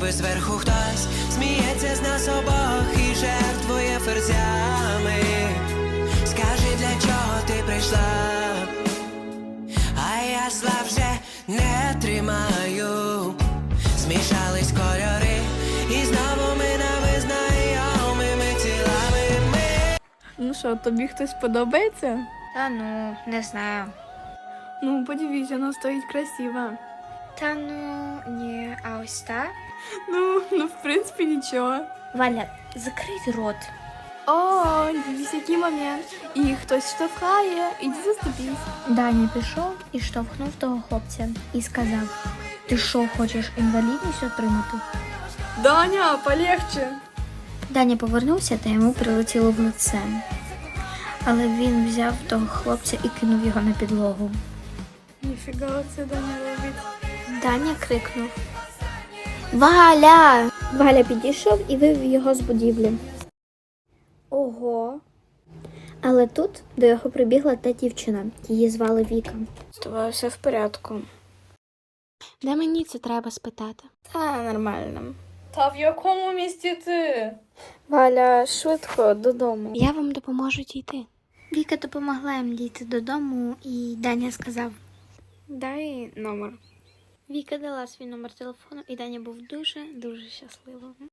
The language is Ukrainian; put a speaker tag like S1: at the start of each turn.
S1: ніби зверху хтось сміється з нас обох і жертвує ферзями. Скажи, для чого ти прийшла? А я зла вже не тримаю. Змішались кольори, і знову ми нами знайомими тілами ми.
S2: Ну що, тобі хтось подобається?
S3: Та ну, не знаю.
S2: Ну, подивись, вона стоїть красиво.
S3: Та ну, ні, а ось та?
S2: Ну, в принципі, нічого.
S3: Валя, закрий рот.
S2: О, дивись, який момент. І хтось штовхає, іди заступись.
S3: Даня пішов і штовхнув того хлопця і сказав: ти що, хочеш інвалідність отримати?
S2: Даня, полегче.
S3: Даня повернувся та йому прилетіло в лице. Але він взяв того хлопця і кинув його на підлогу.
S2: Ніфіга це Даня робить.
S3: Даня крикнув: Валя! Валя підійшов і вивів його з будівлі. Ого! Але тут до його прибігла та дівчина. Її звали Віка.
S2: З тобою все в порядку.
S3: Де мені це треба спитати?
S2: Та нормально. Та в якому місті ти? Валя, швидко додому.
S3: Я вам допоможу дійти. Віка допомогла їм дійти додому, і Даня сказав:
S2: Дай номер.
S3: Віка дала свій номер телефону, і Даня був дуже щасливим.